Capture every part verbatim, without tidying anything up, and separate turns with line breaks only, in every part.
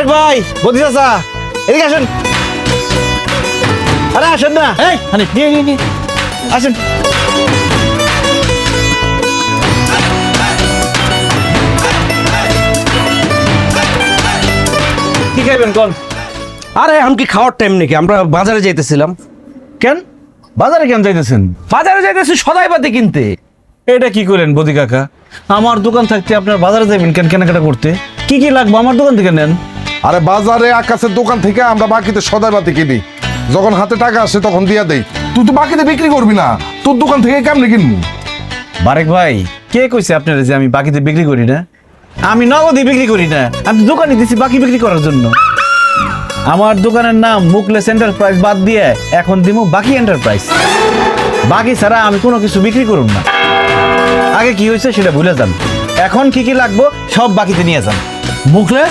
বারেক ভাই, বদি চাচা, এদিকে আসেন। আরে আসেন না। এই হানিফ, নিয়ে নিয়ে নিয়ে আসেন। কি খাইবেন কোন?
আরে এখন কি খাওয়ার টাইম নাকি? আমরা বাজারে যাইতেছিলাম।
কেন বাজারে কেন যাইতেছেন?
বাজারে যাইতেছি সদাই পাতি কিনতে।
এটা কি করেন বদি কাকা? আমার দোকান থাকতে আপনার বাজারে যাবেন কেন কেনাকাটা করতে? কি কি লাগবে আমার দোকান থেকে নেন।
আরে বাজারে আকাশের দোকান থেকে আমরা বাকিতে সদাই বাতি কিনি, যখন হাতে টাকা আসে তখন দিয়া দেই। তুই তো বাকিতে বিক্রি করবি না, তোর দোকান থেকে কেমনে কিনবো?
বারেক ভাই, কে কইছে আপনারা যে আমি বাকিতে বিক্রি করি না? আমি নগদে বিক্রি করি না, আমি দোকানে দিছি বাকি বিক্রি করার জন্য। আমার দোকানের নাম মুকলেস এন্টারপ্রাইজ বাদ দিয়ে এখন দিমু বাকি এন্টারপ্রাইজ। বাকি ছাড়া আমি কোনো কিছু বিক্রি করুন না। আগে কি হয়েছে সেটা ভুলে যান, এখন কি কি লাগবো সব বাকিতে নিয়ে যান।
মুখলেস,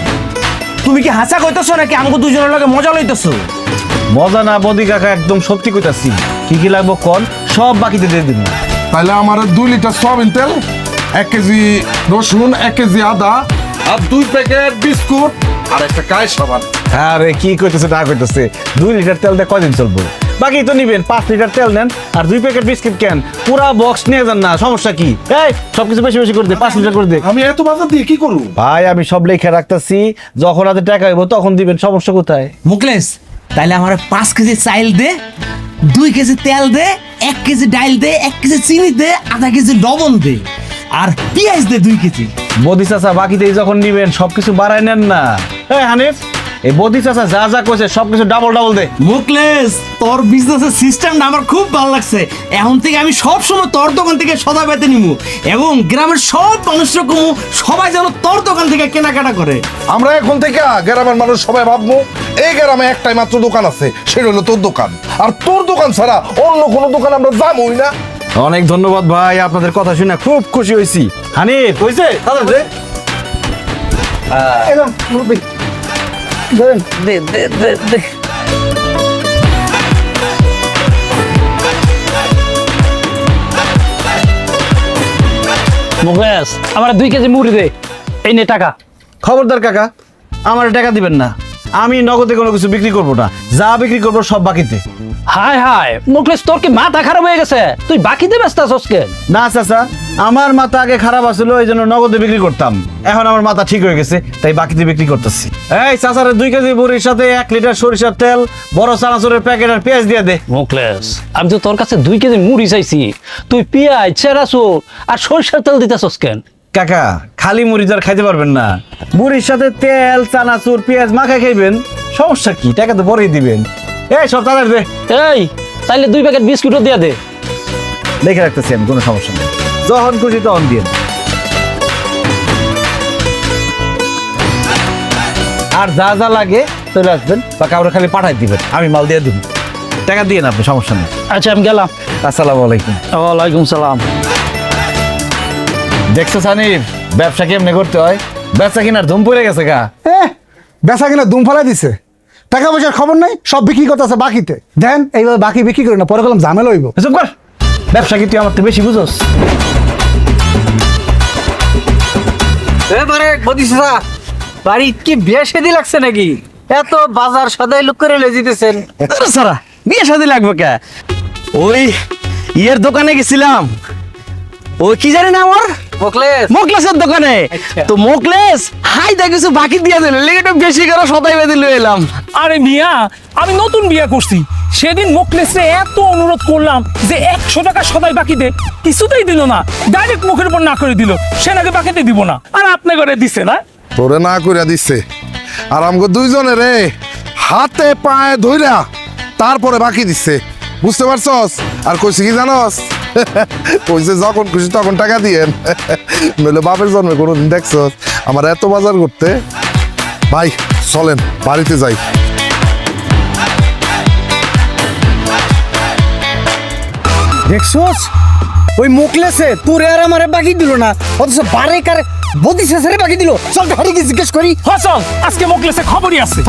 তুমি কি হাসা কইতেছো নাকি আমাকে দুজনের লগে মজা লইতেছো?
মজা না বদি কাকা, একদম সত্যি কইতাছি। কি কি লাগবো কোন, সব বাকিতে দিয়ে দিন।
তাহলে আমার দুই লিটার সয়াবিন তেল, এক কেজি রসুন, এক কেজি আদা, আর দুই প্যাকেট বিস্কুট, আর একটা কায় সাবান।
আরে কি কইতেছে না কইতেছে, দুই লিটার তেল দিয়ে কয়দিন চলবো? বাকি তো নিবেন, পাঁচ লিটার তেল নেন আর দুই প্যাকেট বিস্কিট কেন, পুরা বক্স নিয়ে যান না, সমস্যা কি? এই সবকিছু বেশি বেশি করে দে, পাঁচ লিটার করে দে।
আমি এত বাজার দিয়ে কি করবো
ভাই আমি সব লেখা রাখতেছি, যখন হাতে টাকা হইব তখন দিবেন, সমস্যা কোথায়?
মুখলেস, তাইলে আমার পাঁচ কেজি চাইল দে, দুই কেজি তেল দে, এক কেজি ডাইল দে, এক কেজি চিনি দে, আধা কেজি লবণ দে, আর পেঁয়াজ দে দুই কেজি।
বদি চাচা বাকিতেই যখন নিবেন সবকিছু বাড়াই নেন না। এই হানিফ, এই বদি চাচা যা যা কইছে সবকিছু ডাবল ডাবল দে।
মুখলেস, তোর বিজনেসের সিস্টেমটা আমার খুব ভালো লাগছে। এখন থেকে আমি সব সময় তোর দোকান থেকে সদা পেতে নিবো এবং গ্রামের সব মানুষরা কমু, সবাই যেন তোর দোকান থেকে কেনাকাটা করে।
আমরা এখন থেকে গ্রামের মানুষ সবাই ভাববো এই গ্রামে একটাই মাত্র দোকান আছে, সেটা হলো তোর দোকান। আর তোর দোকান ছাড়া অন্য কোনো দোকান আমরা যাবোই না।
অনেক ধন্যবাদ ভাই, আপনাদের কথা শুনে খুব খুশি হয়েছি। হানিফ কইছে দাদা দে। এলাম মুরব্বি, ধরেন দে দে দে দে।
মুকেশ, আমার দুই কেজি মুড়ি দে। এই নে টাকা।
খবরদার কাকা, আমার টাকা দিবেন না। আমি নগদে কোনো কিছু বিক্রি করবো না, যা বিক্রি করবো সব বাকিতে।
হায় হায় মুকেশ, তোর কি মাথা খারাপ হয়ে গেছে? তুই বাকিতে ব্যস্ত আছিস কেন?
না চাচা, আমার মাথা আগে খারাপ আছিল, এই জন্য নগদে বিক্রি করতাম। এখন আমার মাথা ঠিক হয়ে গেছে, তাই বাকিতে বিক্রি করতেছি। এই চাচারে দুই কেজি বুড়ির সাথে এক লিটার সরিষার তেল, বড় চানাচুরের প্যাকেট আর পেঁয়াজ দিয়ে দে।
মুকেশ, আমি তো তোর কাছে দুই কেজি মুড়ি চাইছি, তুই পেঁয়াজ, চেরাচুর আর সরিষার তেল দিতেছিস কেন?
কাকা, খালি মুড়ি তো আর খাইতে পারবেন না, মুড়ির সাথে তেল, চানাচুর, পেঁয়াজ মাখায় খাইবেন, সমস্যা কি? টাকা তো পরেই দিবেন। এই সব তাড়াতাড়ি দে।
এই তাইলে দুই প্যাকেট বিস্কুটও দিয়ে দে।
লিখে রাখতেছি আমি, কোনো সমস্যা নেই, যখন খুশি তখন দিয়ে। আর যা যা লাগে চলে আসবেন বা কাউরে খালি পাঠাই দিবেন, আমি মাল দিয়ে দিব। টাকা দিয়ে না আপনি, সমস্যা নেই।
আচ্ছা আমি গেলাম।
আসসালামু আলাইকুম।
ওয়ালাইকুম সালাম।
দেখছো সানির, ব্যবসা কেমনে করতে হয়? ব্যবসা কিনার ধুম পড়ে গেছে গা।
বেচা কিনা দুম ফেলাই দিছে, টাকা পয়সার খবর নাই, সব বিক্রি করতেছে বাকিতে। দেন এইভাবে বাকি বিক্রি করি না, পরে গেলাম ঝামেলা হইব।
চুপ কর, ব্যবসা কি তুই আমার তো বেশি বুঝোস?
এবারে বদিসা বাড়ি কি বিয়ে শাদী লাগছে নাকি? এত বাজার সদাই লুক করে লয়ে যেতেছেন।
সারা বিয়ে শাদী লাগবে কে? ওই ইয়ের দোকানে গেছিলাম, ওই কি জানি না আমার
মুখলেস
মোকলেসের দোকানে। তো মোকলেস হাই দা কিছু বাকি দিয়ে দিল, লেগে বেশি করে সদাই বেঁধে লয়ে এলাম।
আরে মিয়া, আমি নতুন বিয়ে করছি, সেদিন মোকলেসে এত অনুরোধ করলাম যে একশো টাকা সদাই বাকি দে, কিছুতেই দিল না, ডাইরেক্ট মুখের উপর না করে দিল সে নাকি বাকিতে দিব না, আর আপনি করে দিছে না।
তোরে না কইরা দিচ্ছে, আর আমগো দুইজনে রে হাতে পায়ে ধইরা তারপরে বাকি দিচ্ছে, বুঝতে পারছস? আর কইছে কি জানস? কইছে যখন খুশি তখন টাকা দিয়েন। নইলে বাপের জন্মে কোনোদিন দেখছস আমার এত বাজার করতে? ভাই চলেন বাড়িতে যাই।
দেখছস ওই মুখলেসে তোরে আর আমারে বাকি দিল না, অথচ বারে কারে বদিসা ছেড়ে বাকি দিল। চল গাড়ি গিয়ে জিজ্ঞেস করি।
হ চল, আজকে মোকলেসে খবরই আছে।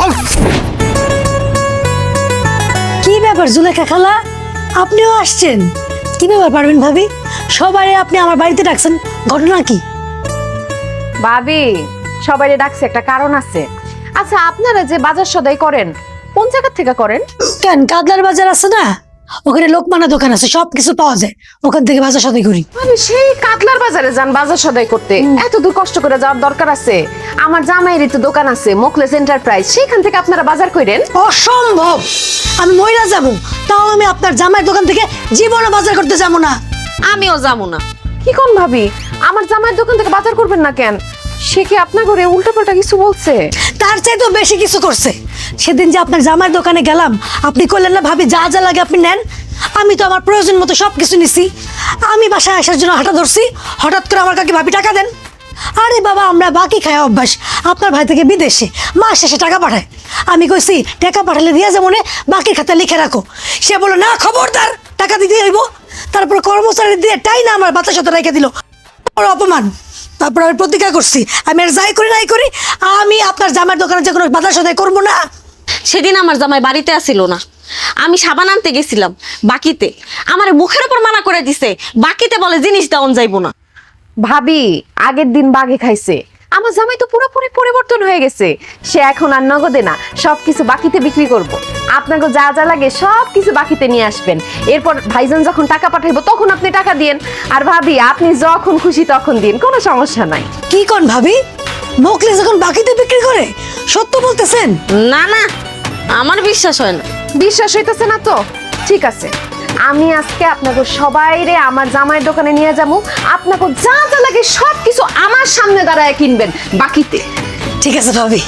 কি ব্যাপার জুলেখা খালা, আপনিও আসছেন? কি ব্যাপার পারবেন ভাবি, সবাই আপনি আমার বাড়িতে ডাকছেন, ঘটনা কি?
ভাবি সবাই ডাকছে একটা কারণ আছে। আচ্ছা আপনারা যে বাজার সদাই করেন কোন জায়গা থেকে করেন?
কেন কাদলার বাজার আছে না, ওখানে লোকমানা দোকান আছে, সব কিছু পাওয়া যায়, ওখান থেকে বাজার সদাই করি।
আমি সেই কাতলার বাজারে যান বাজার সদাই করতে, এত দূর কষ্ট করে যাওয়ার দরকার আছে? আমার জামাইয়েরই তো দোকান আছে মোকলেস এন্টারপ্রাইজ, সেখান থেকে আপনারা বাজার করেন?
অসম্ভব, আমি মহিলা যাব, তাও আমি আপনার জামাইয়ের দোকান থেকে জীবনে বাজার করতে যাবো না।
আমিও যাবো না। কি কোন ভাবি, আমার জামাইয়ের দোকান থেকে বাজার করবেন না কেন? সে কি আপনার ঘরে উল্টাপাল্টা কিছু বলছে?
তার চাইতে বেশি কিছু করছে। সেদিন যে আপনার জামাইয়ের দোকানে গেলাম, আপনি করলেন না ভাবি যা যা লাগে আপনি নেন, আমি তো আমার প্রয়োজন মতো সব কিছু নিছি। আমি বাসায় আসার জন্য হাঁটা ধরছি, হঠাৎ করে আমার কাকে ভাবি টাকা দেন। আরে বাবা, আমরা বাকি খাই অভ্যাস, আপনার ভাই থেকে বিদেশে মাস শেষে টাকা পাঠায়। আমি কইছি টাকা পাঠালে দিয়া যেমন বাকি খাতা লিখে রাখো, সে বললো না খবরদার টাকা দিতে হইব। তারপর কর্মচারী দিয়ে টাই না আমার বাতাস সাথে রেখে দিল, বড় অপমান। তারপর আমি প্রতিজ্ঞা করছি আমি আর যাই করি নাই করি আমি আপনার জামাইয়ের দোকানে যে কোনো বাজার সদাই করবো না।
সেদিন আমার জামাই বাড়িতে আসিল না, আমি সাবান আনতে গেছিলাম বাকিতে, আমার মুখের উপর মানা করে দিছে, বাকিতে বলে জিনিস দেওয়ান যাইবো না।
ভাবি আগের দিন বাগে খাইছে, আমার জামাই তো পুরোপুরি পরিবর্তন হয়ে গেছে। সে এখন আর নগদে না, সবকিছু বাকিতে বিক্রি করব। আপনাকে যা যা লাগে সব কিছু বাকিতে নিয়ে আসবেন, এরপর ভাইজান যখন টাকা পাঠাইবো তখন আপনি টাকা দিয়েন। আর ভাবি আপনি যখন খুশি তখন দিন, কোনো সমস্যা নাই।
কি কোন ভাবি, মোকলেস যখন বাকিতে বিক্রি করে? সত্য বলতেছেন?
না না, আমার বিশ্বাস হয় না।
বিশ্বাস হইতেছে না তো ঠিক আছে, আমি আজকে আপনাকে সবাইরে আমার জামাইয়ের দোকানে নিয়ে যাবো, আপনাকে যা যা লাগে সব কিছু আমার সামনে দাঁড়ায় কিনবেন বাকিতে।
ঠিক আছে ভাবি।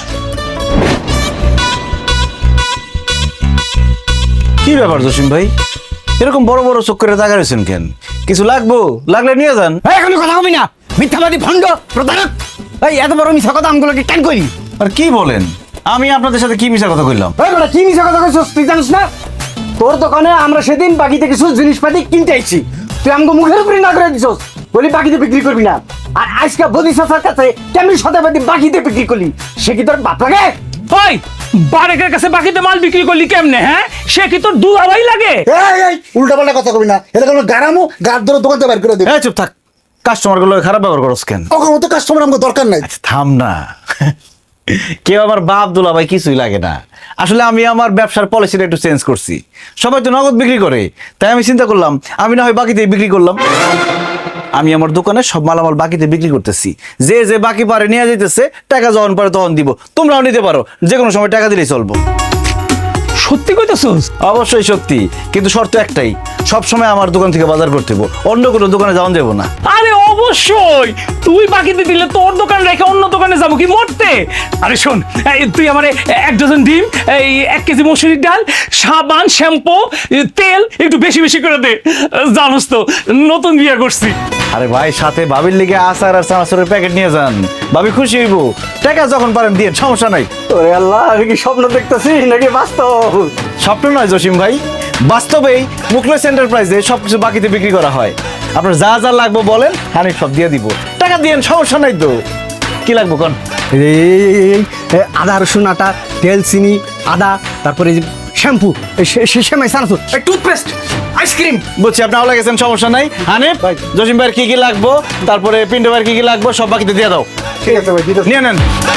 কি ব্যাপার জসিম ভাই, এরকম বড় বড় চোখ করে তাকা রয়েছেন কেন? কিছু লাগবো, লাগলে নিয়ে যান।
এই কোনো কথা কবি না, মিথ্যাবাদী ভণ্ড প্রতারক। এই এত বড় মিথ্যা কথা আমগুলোকে কেন করি?
আর কি বলেন, আমি আপনাদের সাথে কি মিশা কথা কইলাম?
এই বেটা কি মিথ্যা কথা কইছস তুই জানিস না? তোর দোকানে আমরা সেদিন বাকিতে কিছু জিনিসপাতি কিনতে আইছি, তুই আমাকে মুখের উপরে না করে দিছস, বলি বাকিতে বিক্রি করবি না। আর আজকে বদি চাচার কাছে কেমনি সদাবাদি বাকিতে বিক্রি করলি, সে কি তোর বাপ লাগে?
ওই বারেকের কাছে বাকিতে মাল বিক্রি করলি কেমনে? হ্যাঁ, সে কি তোর দুলাভাই লাগে?
এই এই উল্টা পাল্টা কথা কবি না, এটা কোনো গারামো গার ধরে দোকান থেকে বের করে দেবে।
এই চুপ থাক, কাস্টমার গুলো খারাপ ব্যবহার করছ কেন?
ওখানে মতো কাস্টমার আমাকে দরকার নাই।
আচ্ছা থাম না, কেউ আমার বাপ দুলাভাই কিছুই লাগে না। আসলে আমি আমার ব্যবসার পলিসিটা একটু চেঞ্জ করছি, সবাই তো নগদ বিক্রি করে, তাই আমি চিন্তা করলাম আমি না হয় বাকিতে বিক্রি করলাম। আমি আমার দোকানে সব মালামাল বাকিতে বিক্রি করতেছি, যে যে বাকি পারে নিয়ে যাইতেছে, টাকা যখন পারে তখন দিব। তোমরাও নিতে পারো, যে কোনো সময় টাকা দিলেই চলবো।
সত্যি কইতেছস?
অবশ্যই সত্যি, কিন্তু শর্ত একটাই, সব সময় আমার দোকান থেকে বাজার করতে হবো, অন্য কোনো দোকানে যাওয়া যাবো না।
আরে অবশ্যই, তুই বাকিতে দিলে তোর দোকান রেখে অন্য দোকানে যাবো কি মরতে? আরে শোন, এই তুই আমারে এক ডজন ডিম, এই এক কেজি মসুরির ডাল, সাবান, শ্যাম্পু, তেল একটু বেশি বেশি করে দে। জানোস তো নতুন বিয়ে করছি।
আরে ভাই, সাথে ভাবির লিগে আচার আর চানাচুরের প্যাকেট নিয়ে যান, ভাবি খুশি হইব। টাকা যখন পারেন দিয়ে, সমস্যা নাই।
ওরে আল্লাহ, আমি কি স্বপ্ন দেখতেছি নাকি বাস্তব?
স্বপ্ন নয় জসিম ভাই, বাস্তবেই মুকলেস এন্টারপ্রাইজে সবকিছু বাকিতে বিক্রি করা হয়। আপনার যা যা লাগবে বলেন, আমি সব দিয়ে দিব, টাকা দিয়েন, সমস্যা নাই তো। কি লাগবে কোন?
এই আদা রসুন আটা, তেল, চিনি, আদা, তারপরে শ্যাম্পু, সেমাই, সানাসুর, টুথপেস্ট, আইসক্রিম।
বুঝছি, আপনি আওলা গেছেন, সমস্যা নাই। হানিফ, জসিম ভাইয়ের কি কি লাগবো, তারপরে পিন্টু ভাইয়ের কি কি লাগবো সব বাকিতে দিয়ে দাও।
ঠিক আছে ভাই, দিতেছি।
নিয়ে নেন।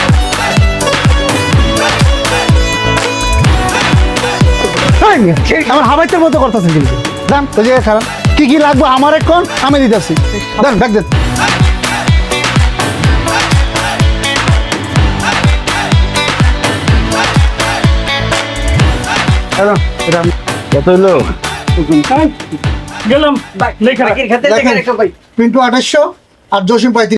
আমার হাবাইতের মতো করতেছেন কিন্তু। দেন ওই জায়গায় খারাপ, কি কি লাগবে আমার এখন আমি দিতেছি। দেন ব্যাগ দেন। এটা এটা
কত হইলো?
গেলাম লেখা
পিন্টু আঠাশশো আর জসিম পঁয়ত্রিশ।